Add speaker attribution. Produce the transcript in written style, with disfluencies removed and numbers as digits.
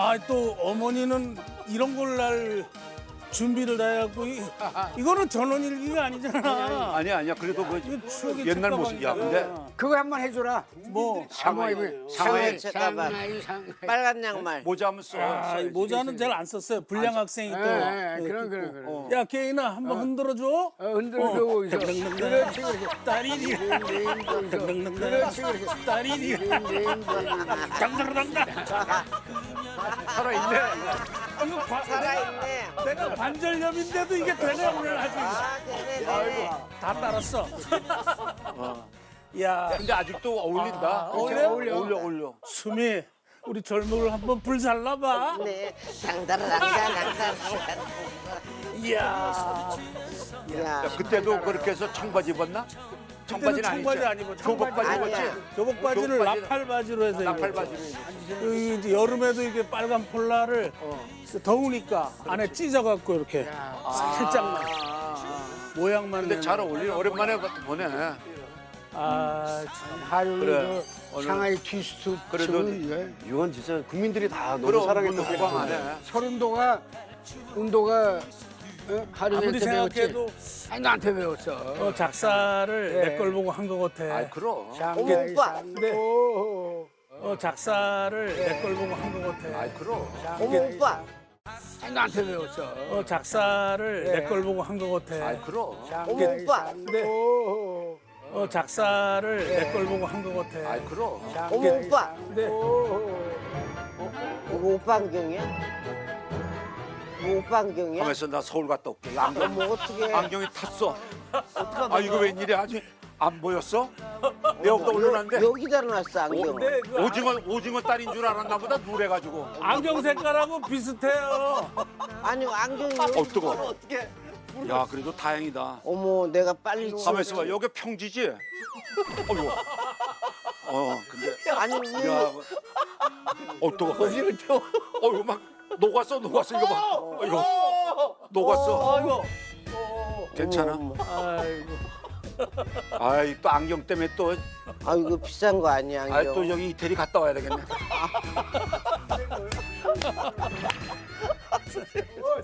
Speaker 1: 아, 또 어머니는 이런 걸 날 준비를 다 해갖고 이거는 전원일기가 아니잖아.
Speaker 2: 아니야. 그래도 그
Speaker 1: 이거 추억의
Speaker 2: 옛날
Speaker 1: 책가방이야.
Speaker 2: 모습이야. 근데
Speaker 3: 그거 한번 해줘라.
Speaker 1: 뭐
Speaker 2: 상하이
Speaker 4: 상하이 책가방.
Speaker 3: 상하이.
Speaker 4: 빨간 양말.
Speaker 2: 모자 한번 써.
Speaker 1: 아, 이 모자는 잘 안 썼어요. 불량 학생이 또.
Speaker 3: 그럼.
Speaker 1: 야, 개인아 한번 흔들어줘.
Speaker 3: 흔들고 있어. 그렇지, 그렇지.
Speaker 1: 딸이리.
Speaker 3: 그렇지, 그렇지.
Speaker 1: 딸이리. 당당당당.
Speaker 2: 살아있네.
Speaker 1: 이거
Speaker 4: 살아있네.
Speaker 1: 내가 관절염인데도 이게 되네 오늘 아주.
Speaker 4: 아, 네네네.
Speaker 1: 다 따랐어. 야,
Speaker 2: 근데 아직도 어울린다. 어울려.
Speaker 1: 수미, 우리 젊음을 한번 불살라봐.
Speaker 4: 네. 당다라당다당다.
Speaker 1: 이야,
Speaker 4: 야,
Speaker 2: 그때도 그렇게 해서 청바지 입었나?
Speaker 1: 그때는
Speaker 2: 청바지는
Speaker 1: 청바지
Speaker 2: 아니지.
Speaker 1: 아니고
Speaker 2: 교복바지
Speaker 4: 아니야.
Speaker 2: 입었지?
Speaker 1: 교복 바지를
Speaker 2: 교복 바지를-
Speaker 1: 나팔 바지로 해서
Speaker 2: 나팔바지로
Speaker 1: 입었죠.
Speaker 2: 입었지.
Speaker 1: 이제 여름에도 이게 빨간 폴라를 더우니까 안에 찢어갖고 이렇게 살짝만 모양만.
Speaker 2: 근데 잘
Speaker 1: 내는.
Speaker 2: 어울리네. 오랜만에 보네.
Speaker 1: 아, 참.
Speaker 3: 하루
Speaker 2: 그래.
Speaker 3: 그 상하이 트위스트
Speaker 2: 그래도
Speaker 3: 춤은
Speaker 5: 이건 진짜 국민들이 다 너무
Speaker 2: 그럼
Speaker 5: 사랑했던
Speaker 2: 호강 안
Speaker 5: 곡이네.
Speaker 2: 해.
Speaker 3: 서른도가 운도가 하루한테
Speaker 1: 아무리 생각해도
Speaker 3: 배웠지. 아니 나한테 배웠어.
Speaker 1: 작사를
Speaker 3: 네.
Speaker 1: 내 걸 보고 한 것 같아.
Speaker 2: 아이 그럼.
Speaker 3: 상하이
Speaker 4: 오빠.
Speaker 1: 네.
Speaker 3: 오.
Speaker 1: 작사를 내 걸 보고 한 것 같아.
Speaker 2: 아이 그럼.
Speaker 4: 어머 오빠.
Speaker 3: 아니 나한테 배웠어.
Speaker 1: 작사를
Speaker 3: 네.
Speaker 1: 내 걸 보고 한 것 같아.
Speaker 2: 아이 그럼.
Speaker 4: 어머 오빠.
Speaker 1: 네.
Speaker 3: 오.
Speaker 1: 작사를 내 걸 보고 한 것 같아.
Speaker 2: 아이 그럼.
Speaker 4: 어머 오빠.
Speaker 1: 네.
Speaker 4: 이거 오빠 안경이야? 이거 오빠 안경이야?
Speaker 2: 가만있어. 나 서울 갔다 올게. 안경,
Speaker 4: 어머 어떻게?
Speaker 2: 안경이 탔어. 아 이거 웬일이야? 아직 안 보였어? 내 여기다 올려놨는데
Speaker 4: 여기다 놨어 안경.
Speaker 1: 근데 그
Speaker 2: 오징어 딸인 줄 알았나 보다 누래가지고.
Speaker 1: 안경 색깔하고 비슷해요.
Speaker 4: 아니 안경이
Speaker 2: 뜨거. 야 그래도 다행이다.
Speaker 4: 어머 내가 빨리
Speaker 2: 가만있어 봐. 여기 평지지? 어이구. 근데
Speaker 4: 아니
Speaker 2: 야, 뜨거. 거기를 태워. 이거 막 녹았어 이거 봐. 이거 녹았어.
Speaker 1: 아이고.
Speaker 2: 괜찮아?
Speaker 1: 아이고.
Speaker 2: 아이 또 안경 때문에 또,
Speaker 4: 아 이거 비싼 거 아니야 안경.
Speaker 2: 또 여기 이태리 갔다 와야 되겠네.